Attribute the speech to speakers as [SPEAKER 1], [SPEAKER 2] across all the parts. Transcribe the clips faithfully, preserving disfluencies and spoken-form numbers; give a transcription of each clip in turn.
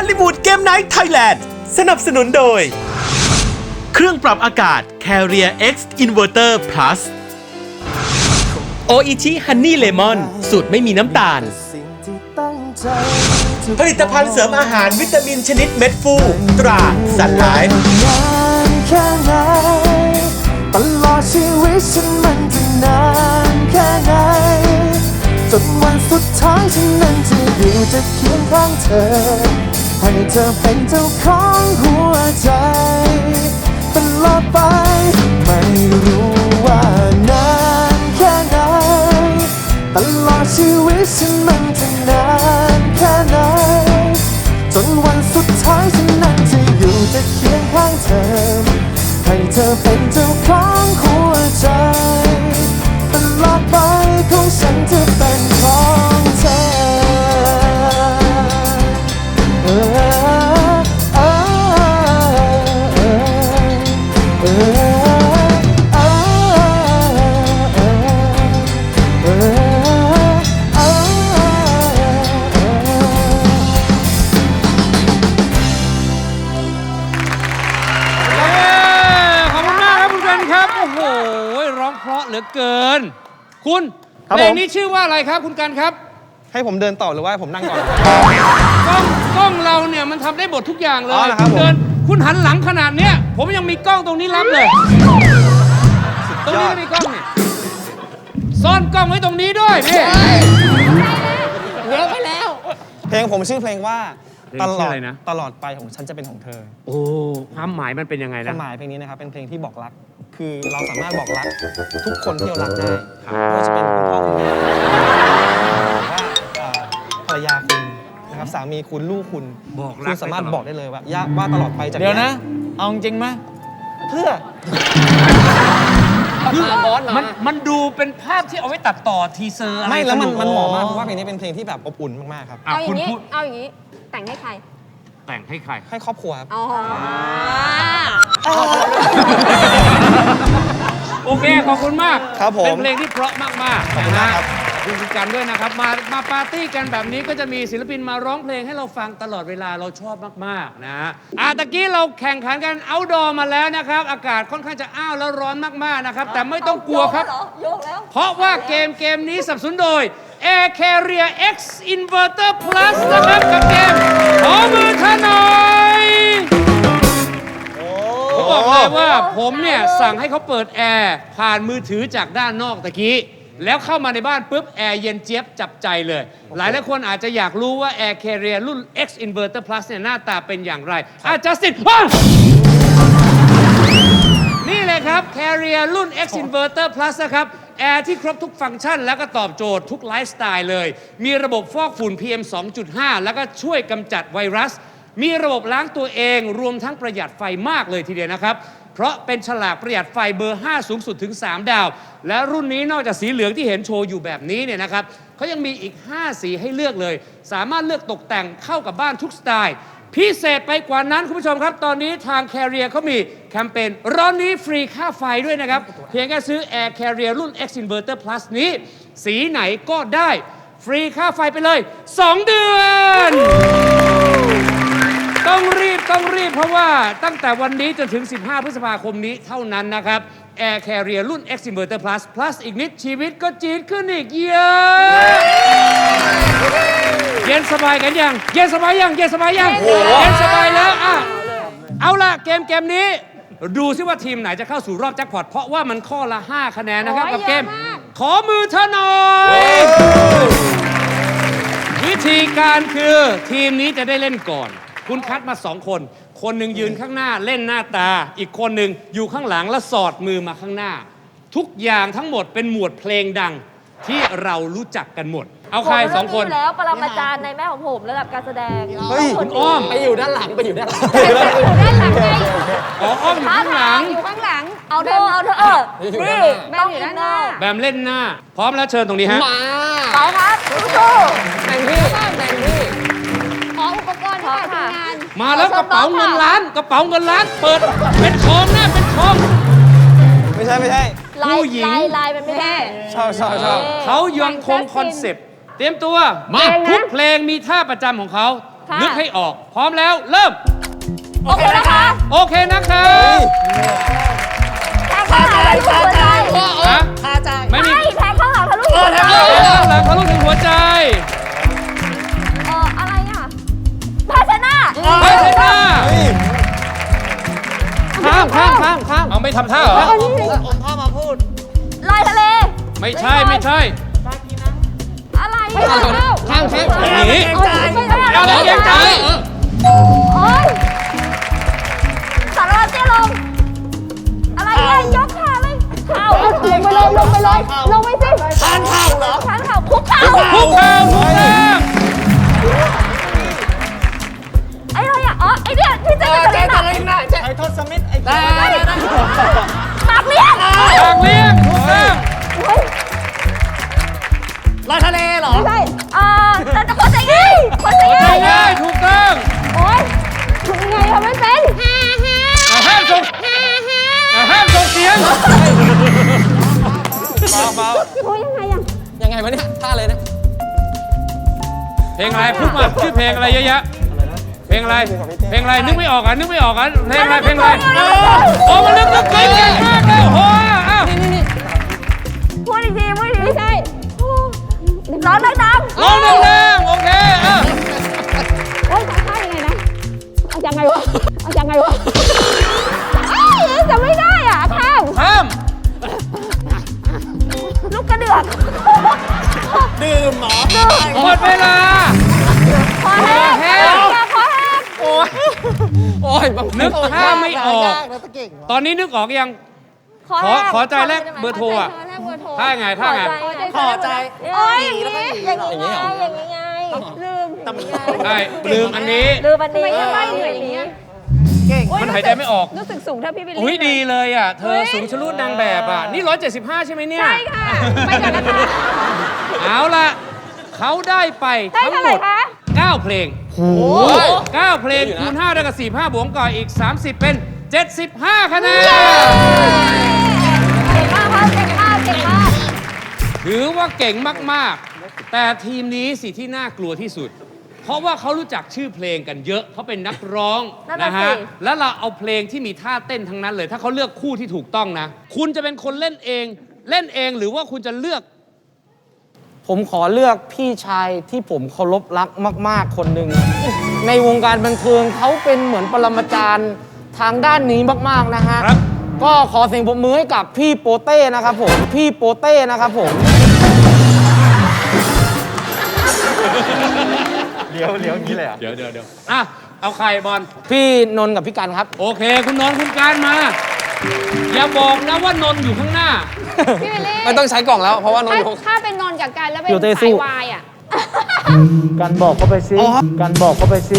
[SPEAKER 1] ลลีวูดเกมไนท์ไทยแลนด์สนับสนุนโดยเครื่องปรับอากาศ Carrier X Inverter Plus โออิชิฮันนี่เลมอนสูตรไม่มีน้ำตาลผลิตภัณฑ์เสริมอาหารวิตามินชนิดเม็ดฟูตราสันไลฟ์
[SPEAKER 2] ตลอดชีวิตฉันมันจะนานแค่ไหนจนวันสุดท้ายฉันนั้นจะอยู่จะเคียงข้างเธอให้เธอเป็นเจ้าของหัวใจตลอดไปไม่รู้ว่านานแค่ไหนตลอดชีวิตฉันมันจะนานแค่ไหนจนวันสุดท้ายฉันนั้นจะอยู่จะเคียงข้างเธอให้เธอเป็นเจ้าของหัวใจตลอดไปของฉันจะเป็นของเธอเออเออเออเออเออเอ
[SPEAKER 3] เพราะเหลือเกินคุณเพลงนี้ชื่อว่าอะไรครับคุณกันครับ
[SPEAKER 4] ให้ผมเดินต่อหรือว่าให้ผมนั่งก่อน
[SPEAKER 3] กล้องกล้องเราเนี่ยมันทำได้หมดทุกอย่างเลย
[SPEAKER 4] คุณ
[SPEAKER 3] เดินคุณหันหลังขนาดเนี้ยผมยังมีกล้องตรงนี้รับเลยตรงนี้ก็มีกล้องเนี่ยซ่อนกล้องไว้ตรงนี้ด้วยนี่
[SPEAKER 5] เยอะไปแล้ว
[SPEAKER 4] เพลงผมชื่อเพลงว่าตลอดตลอดไปของฉันจะเป็นของเธอ
[SPEAKER 3] โอ้ความหมายมันเป็นยังไงนะ
[SPEAKER 4] ความหมายเพลงนี้นะครับเป็นเพลงที่บอกรักคือเราสามารถบอกรักทุกคนที่เรารักได้ไม่ว่าจะเป็นคุณพ่อคุณแม่ว่าภรรยาคุณนะครับสามีคุณลูกคุณ
[SPEAKER 3] บอกรัก
[SPEAKER 4] สามารถบอกได้เลยว่าว่าตลอดไปจาก
[SPEAKER 5] เดี๋ยวนะเอาจริงไหม
[SPEAKER 4] เพื่อ
[SPEAKER 3] มันมันดูเป็นภาพที่เอาไว้ตัดต่อทีเซอร์อะไร
[SPEAKER 4] ไม่แล้วมันมันเหมาะมากเพราะว่าเพลงนี้เป็นเพลงที่แบบอบอุ่นมากๆครับ
[SPEAKER 5] เอาอย่างนี้เอาอย่างนี้แต่งให้ใคร
[SPEAKER 3] แต่งให้ใคร
[SPEAKER 4] ให้ครอบครัวครับ
[SPEAKER 5] อ๋อ
[SPEAKER 3] โอเคขอบคุณมาก
[SPEAKER 4] ครับผม
[SPEAKER 3] เป็นเพลงที่เพราะมากๆนะฮะขอบคุณกันด้วยนะครับมามาปาร์ตี้กันแบบนี้ก็จะมีศิลปินมาร้องเพลงให้เราฟังตลอดเวลาเราชอบมากๆนะฮะอ่ะตะกี้เราแข่งขันกันเอาท์ดอร์มาแล้วนะครับอากาศค่อนข้างจะอ้าวแล้วร้อนมากๆนะครับแต่ไม่ต้องกลัวครับเพราะว่าเกมเกมนี้สนับสนุนโดย Air Carrier X Inverter Plus นะครับกับเกมขอมือเธอหน่อยผมบอกเลยว่าผมเนี่ยสั่งให้เขาเปิดแอร์ผ่านมือถือจากด้านนอกตะกี้แล้วเข้ามาในบ้านปุ๊บแอร์เย็นเจี๊ยบจับใจเลย หลายหลายคนอาจจะอยากรู้ว่า Air Carrier รุ่น X Inverter Plus เนี่ยหน้าตาเป็นอย่างไรอาจัสตินนี่เลยครับ Carrier รุ่น X Inverter Plus นะครับแอร์ที่ครบทุกฟังก์ชันแล้วก็ตอบโจทย์ทุกไลฟ์สไตล์เลยมีระบบฟอกฝุ่น พี เอ็ม สองจุดห้า แล้วก็ช่วยกำจัดไวรัสมีระบบล้างตัวเองรวมทั้งประหยัดไฟมากเลยทีเดียวนะครับเพราะเป็นฉลากประหยัดไฟเบอร์ห้าสูงสุดถึงสามดาวและรุ่นนี้นอกจากสีเหลืองที่เห็นโชว์อยู่แบบนี้เนี่ยนะครับเขายังมีอีกห้าสีให้เลือกเลยสามารถเลือกตกแต่งเข้ากับบ้านทุกสไตล์พิเศษไปกว่านั้นคุณผู้ชมครับตอนนี้ทาง Carrier เขามีแคมเปญร้อนนี้ฟรีค่าไฟด้วยนะครับเพียงแค่ซื้อ Air Carrier รุ่น X Inverter Plus นี้สีไหนก็ได้ฟรีค่าไฟไปเลยสองเดือนต้องรีบต้องรีบเพราะว่าตั้งแต่วันนี้จนถึงสิบห้าพฤษภาคมนี้เท่านั้นนะครับ Air Carrier รุ่น X Inverter Plus Plus อีกนิดชีวิตก็จี๊ดขึ้นอีกเยอะเย็นสบายกันยังเย็นสบายยังเย็นสบายยังเย็นสบายแล้วอ่ะเอาล่ะเกมเกมนี้ดูซิว่าทีมไหนจะเข้าสู่รอบแจ็คพอตเพราะว่ามันข้อละห้าคะแนนนะครับกับเกมขอมือเธอหน่อยวิธีการคือทีมนี้จะได้เล่นก่อนคุณคัดมาสองคนคนหนึ่งยืนข้างหน้าเล่นหน้าตาอีกคนหนึ่งอยู่ข้างหลังแล้วสอดมือมาข้างหน้าทุกอย่างทั้งหมดเป็นหมวดเพลงดังที่เรารู้จักกันหมดเอาใครสองคน
[SPEAKER 5] แล้วปรมาจารย์ในแม่ของผมระดับการแสดง
[SPEAKER 4] เฮ้ย
[SPEAKER 3] คุณอ้อม
[SPEAKER 5] ไปอยู่ด้านหลังไปอยู่ด้านหลัง
[SPEAKER 3] อยู่ด้านหลังไงอ๋ออ้อมอยู่ข้างหลัง
[SPEAKER 5] อยู่ข้างหลังเอาเธอเอาเธอเออนี่ต้องอยู่ด้านหน้า
[SPEAKER 3] แบมเล่นหน้าพร้อมแล้วเชิญตรงนี้ฮะ
[SPEAKER 5] มาไปครับสู้ๆแต่งที่แต่งที่ขออุปกรณ์ที่ทำงาน
[SPEAKER 3] มาแล้วกระเป๋าเงินล้านกระเป๋าเงินล้านเปิดเป็นทองนะเป็นทอง
[SPEAKER 4] ไม่ใช่ไม่ใช่
[SPEAKER 3] ผู้หญิง
[SPEAKER 5] ลายลายมันไม่ได้
[SPEAKER 4] ชอบชอบชอบ
[SPEAKER 3] เขายังคงคอนเซปต์เตรียมตัวมาทุกเพลงมีท่าประจำของเขา
[SPEAKER 5] ค่ะ
[SPEAKER 3] นึกให้ออก พร้อมแล้ว เริ่ม
[SPEAKER 5] โอเคนะคะ
[SPEAKER 3] โอเคนะครับ
[SPEAKER 5] แทงข้างหลังทะลุหัวใจ
[SPEAKER 3] ฮะไม่มี
[SPEAKER 5] ไม่แทงข้างหลังทะลุหัวใจ
[SPEAKER 3] เออหลังทะลุถึงหัวใจ
[SPEAKER 5] เอออะไรอ่ะภาชนะ
[SPEAKER 3] ไปเลยนะ
[SPEAKER 4] ข้ามข้ามข้ามข้าม
[SPEAKER 3] เอาไม่ทำท่าเหรอ
[SPEAKER 5] ลอยทะเล
[SPEAKER 3] ไม่ใช่ไม่ใช่
[SPEAKER 5] อะไร
[SPEAKER 4] ข้ามข้ามข้าม
[SPEAKER 3] อย่างนี้
[SPEAKER 5] ไม่ได้
[SPEAKER 3] เอาเกรงใจ
[SPEAKER 5] โอ๊ยสารวัตรเตี้ยลง อะไรเนี่ยยกขาเลยเข่าลงไปเลยลงไปเลยลงไปสิชานเข่าเหรอชานเข่าคุกเข่า
[SPEAKER 3] คุกเข่าคุกเข่า
[SPEAKER 5] ไอ้อะไรอ่ะอ๋อไอ้เนี่ยที่จะจะจะจะ
[SPEAKER 4] ไอ้ทศมิตรไอ้
[SPEAKER 5] ได้ได้ได้ปากเลี้ยง
[SPEAKER 3] ปากเลี้ยงถูกต้อง
[SPEAKER 5] เฮ้ย
[SPEAKER 4] ลอยทะเลเหรอ
[SPEAKER 5] ไม่ใช่อ่าแต่จะคนใจง่ายคนใจ
[SPEAKER 3] ถูก
[SPEAKER 5] ง่าย
[SPEAKER 3] ได้ถูกต้อง
[SPEAKER 5] โอ๊ยทำไงทำไม่เป็น
[SPEAKER 3] อ่ะห้ามส่งอ่ะห้ามส่งเสียงเบาเบา
[SPEAKER 5] โอ้ยยังไงอ่ะ
[SPEAKER 4] ยังไงวะเนี่ยท่าเลยนะ
[SPEAKER 3] เพลงอะไรพูดมาชื่อเพลงอะไรเยอะแยะเพลงอะไรเพลงอะไรนึกไม่ออกอ่ะนึกไม่ออกอ่ะเพลงอะไรเพลงอะไรโอ้มันนึกนึกเก่งเก่งมากเลยโอ้โหอ้าว
[SPEAKER 5] พูดอีกทีพูดอีกทีไม่ใช่ร้องดังๆ
[SPEAKER 3] ร้องดังๆโอเคอ่ะ
[SPEAKER 5] เฮ้ยทำท่ายังไงนะเอายังไงวะเอายังไงวะเอ้ยจะไม่ได้อ่ะข้าม
[SPEAKER 3] ห้าม
[SPEAKER 5] ลูกกระเดือก
[SPEAKER 4] ดื่มหมอ
[SPEAKER 3] หมดเวลา
[SPEAKER 5] คอแห้ง
[SPEAKER 3] คอแห้ง
[SPEAKER 5] คอแห้ง
[SPEAKER 4] โอ้ยโอ้ย
[SPEAKER 3] นึกท่าไม่ออก ตอนนี้นึกออกยัง
[SPEAKER 5] คอแห้ง
[SPEAKER 3] ขอใจแรกเบอร์โทรอะ
[SPEAKER 5] ขใจแรกเบอร์โทร
[SPEAKER 3] ท่าไงท่าไง
[SPEAKER 5] ขอใจโอ้ยอย่างนี้อย่างนี้ไงอย่างนี้ไงลืมอย่างนี้ไง
[SPEAKER 3] ไอ้ลืมอันนี้
[SPEAKER 5] ลืมอันนี้ทำไมเหนื่อยอย่างนี้
[SPEAKER 3] มันหายใจไม่ออก
[SPEAKER 5] รู้สึกสูงเท่าพี่บิลลี่
[SPEAKER 3] อุ้ยดีเลยอ่ะ เธอสูงชะลูดนางแบบอ่ะ นี่ร้อยเจ็ดสิบห้าใช่ไหมเนี่ย
[SPEAKER 5] ใช่ค่ะไปก่อนนะคะ
[SPEAKER 3] เอาล่ะ เขาได้ไป
[SPEAKER 5] ได้
[SPEAKER 3] ทั้ง
[SPEAKER 5] เท่า
[SPEAKER 3] ห
[SPEAKER 5] ไห
[SPEAKER 3] ม
[SPEAKER 5] ร่
[SPEAKER 3] ด
[SPEAKER 5] คะ
[SPEAKER 3] เก้าเพลงเก้าเพลงคูณห้าได้กับสี่ห้าบวกก่อนอีก สามสิบ เป็น เจ็ดสิบห้าคะแนน
[SPEAKER 5] เก่งมากครับเก่งมากเก่งมาก
[SPEAKER 3] ถือว่าเก่งมาก ๆ แต่ทีมนี้สิที่น่ากลัวที่สุด เพราะว่าเขารู้จักชื่อเพลงกันเยอะ เขาเป็นนักร้อง
[SPEAKER 5] นั่นน่ะ
[SPEAKER 3] นะฮะ
[SPEAKER 5] สิ
[SPEAKER 3] แล้วเราเอาเพลงที่มีท่าเต้นทั้งนั้นเลย ถ้าเขาเลือกคู่ที่ถูกต้องนะ คุณจะเป็นคนเล่นเอง เล่นเองหรือว่าคุณจะเลือก
[SPEAKER 4] ผมขอเลือกพี่ชายที่ผมเคารพรักมาก ๆ คนหนึ่ง ในวงการบันเทิงเขาเป็นเหมือนปรมาจารย์ทางด้านนี้มาก ๆ นะฮะ
[SPEAKER 3] ครับ
[SPEAKER 4] ก็ขอเสียงปรบมือให้กับพี่โปเต้นะครับผม พี่โปเต้นะครับผม
[SPEAKER 3] เดี๋ยวเดี๋ยวเดี๋ยวอ่ะ เอาใครบอล
[SPEAKER 4] พี่นนท์กับพี่กันครับ
[SPEAKER 3] โอเค คุณนนท์คุณการมา อย่าบอกนะว่านนท์อยู่ข้างหน้า
[SPEAKER 5] พี่บิลลี่
[SPEAKER 4] ไม่ต้องใช้กล่องแล้วเพราะว่านน
[SPEAKER 5] ถ้า
[SPEAKER 4] ท์อยู่
[SPEAKER 5] ถ้าเป็นนนท์กับกันแล้วเป็น
[SPEAKER 4] อยู่เต้สู้
[SPEAKER 5] สายวายอ่ะ
[SPEAKER 2] กันบอกเขาไปสิกันบอกเขาไปสิ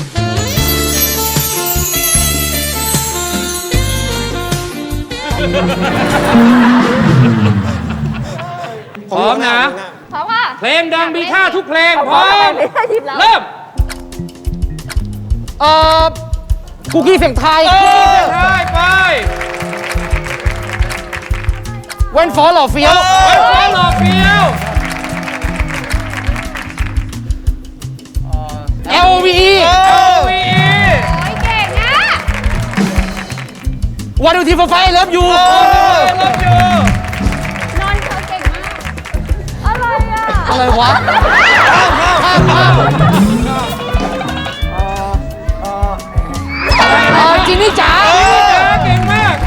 [SPEAKER 3] พร้อมนะ
[SPEAKER 5] เพราะว่า
[SPEAKER 3] เพลงดังมีท่าทุกเพลง พร้อม เริ่ม
[SPEAKER 4] เอ่อคุกกี้เสียงไทาย
[SPEAKER 3] เออใช่ไป
[SPEAKER 4] เว้นฟอหล่อเฟี้ยว
[SPEAKER 3] ไว้ฟ้าหล่อเฟี้ยว
[SPEAKER 4] L O V E
[SPEAKER 3] โอ้วี
[SPEAKER 5] โอ้ยเก่งอ่ะ
[SPEAKER 4] วันดูทีฟไฟเลิฟยู
[SPEAKER 3] โอ้ยเลิฟยู
[SPEAKER 5] นนท์เธอเก่งมาก อะไรอ่ะ
[SPEAKER 4] อะไรวะข้ามข้ามข้ามข้ามเอ่อจินนี่จ๋า
[SPEAKER 3] เฮ้ยจ๋าเก่งมาก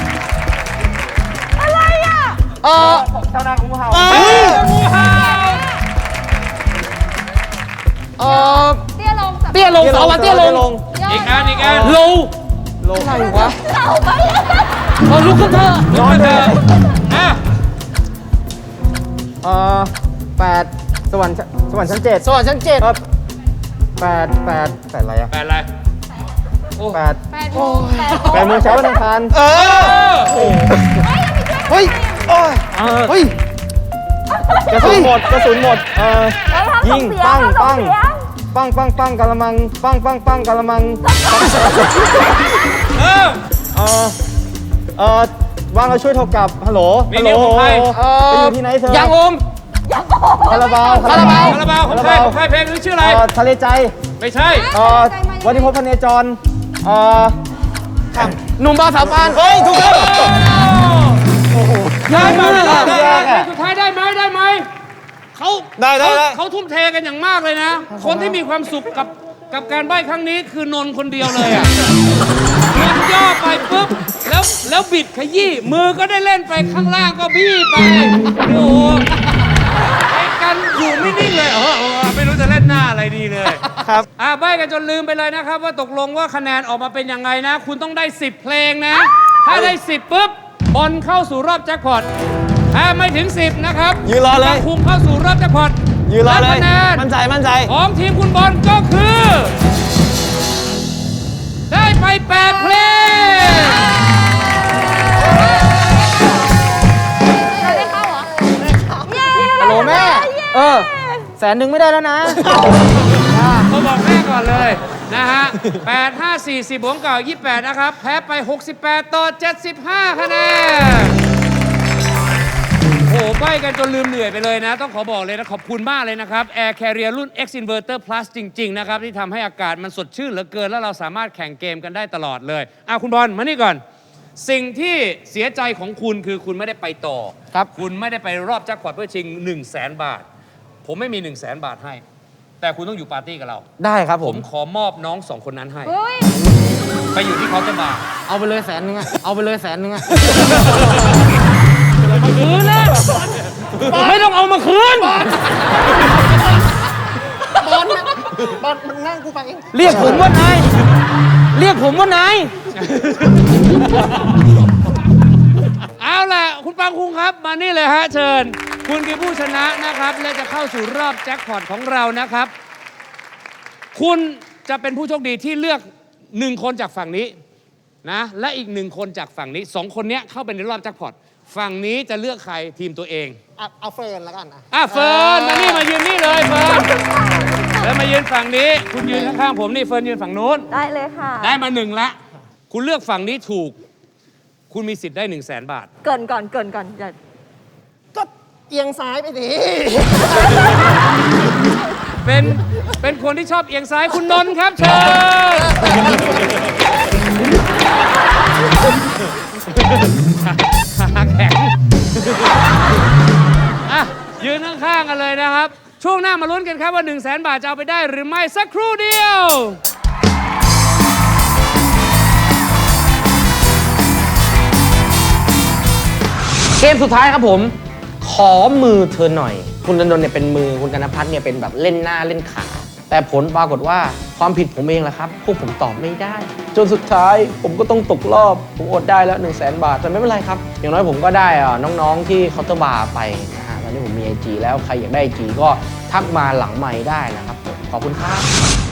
[SPEAKER 5] อะไรอ่ะ
[SPEAKER 4] เอ่อ
[SPEAKER 3] เฮ้ยงูเห่า
[SPEAKER 4] เอ่อ
[SPEAKER 5] เตี้ยลงสับ
[SPEAKER 4] เตี้ยลงสาววันเตี้ยลง
[SPEAKER 3] อีกอันอีกอัน
[SPEAKER 4] โลอะไรวะ
[SPEAKER 5] เต่าไปอ่ะ
[SPEAKER 4] เออลุกขึ้นเถอะ
[SPEAKER 3] ลุกขึ้นเถอะอ่ะ
[SPEAKER 2] เอ่อแปดสวรรค์ชั้นสวรรค์ชั้นเจ็ด
[SPEAKER 4] สวัสดีชั้นเจ็ด
[SPEAKER 2] ครับแปดแปดแปดอะไรอะ
[SPEAKER 3] แปดอะไร
[SPEAKER 2] แปด
[SPEAKER 5] แปดโมงแปดโมง
[SPEAKER 2] แปดโมงเช้าวันอังคาร
[SPEAKER 4] เออ เฮ้ยโอ้ย
[SPEAKER 2] เออ
[SPEAKER 4] เฮ้ย
[SPEAKER 2] กระสุนหมดกระสุนหมดเอ่อ
[SPEAKER 5] เฮ้ยทำส่
[SPEAKER 2] ยิ
[SPEAKER 5] ง
[SPEAKER 2] ง
[SPEAKER 5] เสีย
[SPEAKER 2] ปั
[SPEAKER 5] ง
[SPEAKER 2] ง
[SPEAKER 5] ทำส่
[SPEAKER 2] ปั
[SPEAKER 5] ง
[SPEAKER 2] ง
[SPEAKER 5] เสียง
[SPEAKER 2] ปังปังปังกะละมังปังปังปังกะละมัง
[SPEAKER 3] เออ
[SPEAKER 2] เอ่อเอ่อว่างเราช่วยโทรกลับฮัลโหล
[SPEAKER 3] มี
[SPEAKER 2] ฮัลโหล
[SPEAKER 3] เรื่องของใคร
[SPEAKER 2] ไปอยู่ที่ไหนเธอ
[SPEAKER 4] ยังโอม
[SPEAKER 2] คาราบาว
[SPEAKER 4] คาราบาว
[SPEAKER 3] คาราบาวของใครของใครเพลงนี้ชื่ออะไร
[SPEAKER 2] เอ่อทะเลใจ
[SPEAKER 3] ไม่ใช่
[SPEAKER 2] เอ่อวันนี้พบพเนจรเอ่อ
[SPEAKER 4] หนุ่มบาวสาวปานเฮ้ยถูกต้อง
[SPEAKER 3] ได้ไหมได้ไหม
[SPEAKER 2] ยากอะ
[SPEAKER 3] สุดท้ายได้ไหมได้ไหมเขา
[SPEAKER 4] ได้ได้ได้
[SPEAKER 3] เขาทุ่มเทกันอย่างมากเลยนะ คนที่มีความสุขกับกับการใบ้ครั้งนี้คือนนท์คนเดียวเลยอ่ะนนท์ย่อไปปุ๊บแล้วแล้วบิดขยี้มือก็ได้เล่นไปข้างล่างก็บี้ไปโอ้โหไอ้กันอยู่ไม่นิ่งเลยเออเออไม่รู้จะเล่นหน้าอะไรดีเลย
[SPEAKER 2] ครับ
[SPEAKER 3] อ่าใบ้กันจนลืมไปเลยนะครับว่าตกลงว่าคะแนนออกมาเป็นยังไงนะ คุณต้องได้สิบเพลงนะ ถ้าได้สิบปุ๊บบอลเข้าสู่รอบแจ็คพอตถ้าไม่ถึงสิบนะครับ
[SPEAKER 2] ยืนรอเลย
[SPEAKER 3] คุมเข้าสู่รอบแจ็คพอต
[SPEAKER 2] ยืนรอเลย
[SPEAKER 3] และคะแนน
[SPEAKER 2] มั่นใจมั่นใจ
[SPEAKER 3] ของทีมคุณบอลก็คือ ได้ไปแปดเพลง
[SPEAKER 5] เราได้เข้าเหรอเย้
[SPEAKER 4] ฮัลโหลแม่ เออ แสนหนึ่งไม่ได้แล้วนะ
[SPEAKER 3] เขาบอกแม่ก่อนเลยนะฮะแปด ห้า สี่ สิบ บวกเก่า ยี่สิบแปด นะครับ แพ้ไป หกสิบแปด ต่อ เจ็ดสิบห้า คะแนน โอ้โหใบ้กันจนลืมเหนื่อยไปเลยนะ ต้องขอบอกเลยนะ ขอบคุณมากเลยนะครับ Air Carrier รุ่น X Inverter Plus จริง ๆ นะครับ ที่ทำให้อากาศมันสดชื่นเหลือเกิน แล้วเราสามารถแข่งเกมกันได้ตลอดเลยอ่ะคุณบอลมานี่ก่อน สิ่งที่เสียใจของคุณคือคุณไม่ได้ไปต่อ
[SPEAKER 4] ครับ
[SPEAKER 3] คุณไม่ได้ไปรอบแจ็คพอตเพื่อชิง 1 0 0 0 0แสนบาท ผมไม่มี 1 0 0 0 0แสนบาทให้ แต่คุณต้องอยู่ปาร์ตี้กับเรา
[SPEAKER 4] ได้ครับผ
[SPEAKER 3] ผม มขอมอบน้องสองคนนั้นให้
[SPEAKER 5] เฮ้ย
[SPEAKER 3] ไปอยู่ที่เคาน์เตอร์บาร์
[SPEAKER 4] เอาไปเลยแสนหนึงอะเอาไปเลยแสนหนึงอะ
[SPEAKER 3] คืนนะไม่ต้องเอามาคืน
[SPEAKER 4] เรียกผมว่านาย เรียกผมว่านาย
[SPEAKER 3] เอาล่ะ คุณปังคุงครับ มานี่เลยฮะ เชิญ คุณคือผู้ชนะนะครับ และจะเข้าสู่รอบแจ็คพอตของเรานะครับ คุณจะเป็นผู้โชคดีที่เลือกหนึ่งคนจากฝั่งนี้นะและอีกหนึ่งคนจากฝั่งนี้สองคนเนี้ยเข้าไปในรอบแจ็คพอตฝั่งนี้จะเลือกใครทีมตัวเอง
[SPEAKER 2] เอาเฟิร์นแล้วกันอ่ะ
[SPEAKER 3] อ่ะเฟิร์นมานี่มายืนนี่เลยเฟิร์นแล้วมายืนฝั่งนี้ คุณยืนข้างๆผมนี่เฟิร์นยืนฝั่งนู้น
[SPEAKER 5] ได้เลยค่ะ
[SPEAKER 3] ได้มาหนึ่งละ คุณเลือกฝั่งนี้ถูก คุณมีสิทธิ์ได้หนึ่งแสนบาท
[SPEAKER 5] เกินก่อนเกินก่อนอย่า
[SPEAKER 2] ก็เอียงซ้ายไปดิ
[SPEAKER 3] เป็นเป็นคนที่ชอบเอียงซ้ายคุณนนท์ครับเชิญขาแข็งอ่ะยืนข้างๆกันเลยนะครับ ช่วงหน้ามาลุ้นกันครับว่า 1 0 0 0 0แสนบาทจะเอาไปได้หรือไม่สักครู่เดียว
[SPEAKER 4] เกมสุดท้ายครับผม ขอมือเธอหน่อย คุณดนดนเนี่ยเป็นมือ คุณกนพัฒน์เนี่ยเป็นแบบเล่นหน้าเล่นขา แต่ผลปรากฏว่าความผิดผมเองแหละครับ พวกผมตอบไม่ได้ จนสุดท้ายผมก็ต้องตกรอบ ผมอดได้แล้ว1 0 0 0 0แสนบาท แต่ไม่เป็นไรครับ อย่างน้อยผมก็ได้อ่ะน้องๆที่เคาน์เตอร์บาร์ไปนะฮะตอนนี้ผมมี ไอ จี แล้วใครอยากได้ ไอ จี ก็ทักมาหลังไมค์ได้นะครับผมขอบคุณครับ